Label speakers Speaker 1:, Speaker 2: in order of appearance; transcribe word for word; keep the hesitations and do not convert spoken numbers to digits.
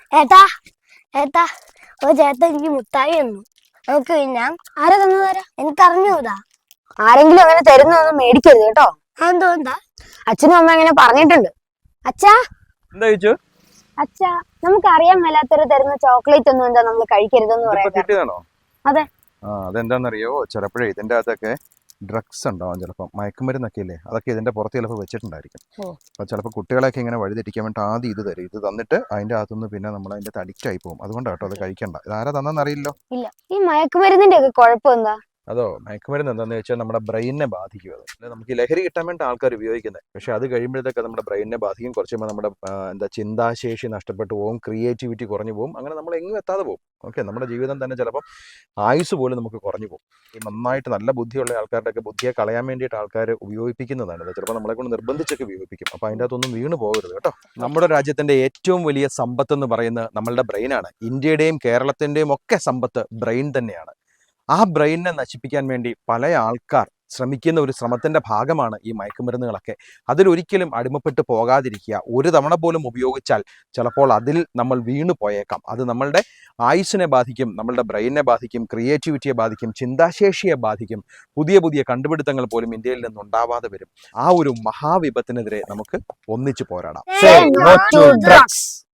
Speaker 1: ഏട്ടാ ഏട്ടാ ഒരു ചേട്ടൻ എനിക്ക് മുട്ടായി തന്നു. നമുക്ക് ഞാൻ ആരാ തന്നതാരാ എനിക്കറിഞ്ഞൂടാ.
Speaker 2: ആരെങ്കിലും അങ്ങനെ തരുന്നൊന്നും മേടിക്കരുത് കേട്ടോ.
Speaker 1: അതെന്തുകൊണ്ടാ?
Speaker 2: അച്ഛനും അമ്മ അങ്ങനെ പറഞ്ഞിട്ടുണ്ട്. അച്ഛാ
Speaker 3: എന്താ ചോദിച്ചു?
Speaker 2: അച്ഛാ നമുക്ക് അറിയാൻ മേലാത്തവര് തരുന്ന ചോക്ലേറ്റ് ഒന്നും എന്താ നമ്മൾ കഴിക്കരുതെന്ന്
Speaker 3: ഇതിപ്പോ
Speaker 2: പറയാം.
Speaker 3: കിട്ടിയതാണോ?
Speaker 2: അതെ.
Speaker 3: ആ അതെന്താണെന്നറിയോ, ചിലപ്പോഴേ ഇതിൻ്റെ അകത്തൊക്കെ ഡ്രഗ്സ് ഉണ്ടാവും, ചിലപ്പോൾ മയക്കുമരുന്നൊക്കെ ഇല്ലേ, അതൊക്കെ ഇതിന്റെ പുറത്ത് ചിലപ്പോൾ വെച്ചിട്ടുണ്ടായിരിക്കും. അപ്പോൾ ചിലപ്പോൾ കുട്ടികളെയൊക്കെ ഇങ്ങനെ വഴിതെറ്റിക്കാൻ വേണ്ടി ആദ്യം ഇത് തരും. ഇത് തന്നിട്ട് അതിന്റെ അകത്തുനിന്ന് പിന്നെ നമ്മൾ അതിന്റെ അഡിക്റ്റ് ആയി പോകും. അതുകൊണ്ടാണ് കേട്ടോ അത് കഴിക്കണ്ട. ഇതാരാ തന്നെന്നറിയില്ലോ.
Speaker 2: ഇല്ല, ഈ മയക്കുമരുന്നിന്റെ ഒക്കെ കുഴപ്പം എന്താ?
Speaker 3: അതോ, മയക്കുമരുന്ന് എന്താണെന്ന് വെച്ചാൽ നമ്മുടെ ബ്രെയിനിനെ ബാധിക്കും. അത് നമുക്ക് ലഹരി കിട്ടാൻ വേണ്ടി ആൾക്കാർ ഉപയോഗിക്കുന്നത്, പക്ഷേ അത് കഴിയുമ്പോഴത്തേക്ക് നമ്മുടെ ബ്രെയിനിനെ ബാധിക്കും. കുറച്ച് കഴിയുമ്പോൾ നമ്മുടെ എന്താ ചിന്താശേഷി നഷ്ടപ്പെട്ടു പോകും, ക്രിയേറ്റിവിറ്റി കുറഞ്ഞു പോകും, അങ്ങനെ നമ്മൾ എങ്ങും എത്താതെ പോകും. ഓക്കെ, നമ്മുടെ ജീവിതം തന്നെ ചിലപ്പോൾ ആയുസ് പോലും നമുക്ക് കുറഞ്ഞു പോകും. ഈ നന്നായിട്ട് നല്ല ബുദ്ധിയുള്ള ആൾക്കാരുടെയൊക്കെ ബുദ്ധിയെ കളയാൻ വേണ്ടിയിട്ട് ആൾക്കാർ ഉപയോഗിപ്പിക്കുന്നതാണ്. ചിലപ്പോൾ നമ്മളെ കൊണ്ട് നിർബന്ധിച്ചൊക്കെ ഉപയോഗിപ്പിക്കും. അപ്പോൾ അതിൻ്റെ അകത്തൊന്നും വീണ് പോകരുത് കേട്ടോ. നമ്മുടെ രാജ്യത്തിൻ്റെ ഏറ്റവും വലിയ സമ്പത്ത് എന്ന് പറയുന്നത് നമ്മളുടെ ബ്രെയിനാണ്. ഇന്ത്യയുടെയും കേരളത്തിൻ്റെയും ഒക്കെ സമ്പത്ത് ബ്രെയിൻ തന്നെയാണ്. ആ ബ്രെയിനിനെ നശിപ്പിക്കാൻ വേണ്ടി പല ആൾക്കാർ ശ്രമിക്കുന്ന ഒരു ശ്രമത്തിൻ്റെ ഭാഗമാണ് ഈ മയക്കുമരുന്നുകളൊക്കെ. അതിലൊരിക്കലും അടിമപ്പെട്ട് പോകാതിരിക്കുക. ഒരു തവണ പോലും ഉപയോഗിച്ചാൽ ചിലപ്പോൾ അതിൽ നമ്മൾ വീണു പോയേക്കാം. അത് നമ്മളുടെ ആയുസ്സിനെ ബാധിക്കും, നമ്മളുടെ ബ്രെയിനിനെ ബാധിക്കും, ക്രിയേറ്റിവിറ്റിയെ ബാധിക്കും, ചിന്താശേഷിയെ ബാധിക്കും. പുതിയ പുതിയ കണ്ടുപിടുത്തങ്ങൾ പോലും ഇന്ത്യയിൽ നിന്നുണ്ടാവാതെ വരും. ആ ഒരു മഹാവിപത്തിനെതിരെ നമുക്ക് ഒന്നിച്ചു പോരാടാം.
Speaker 2: Say no to drugs.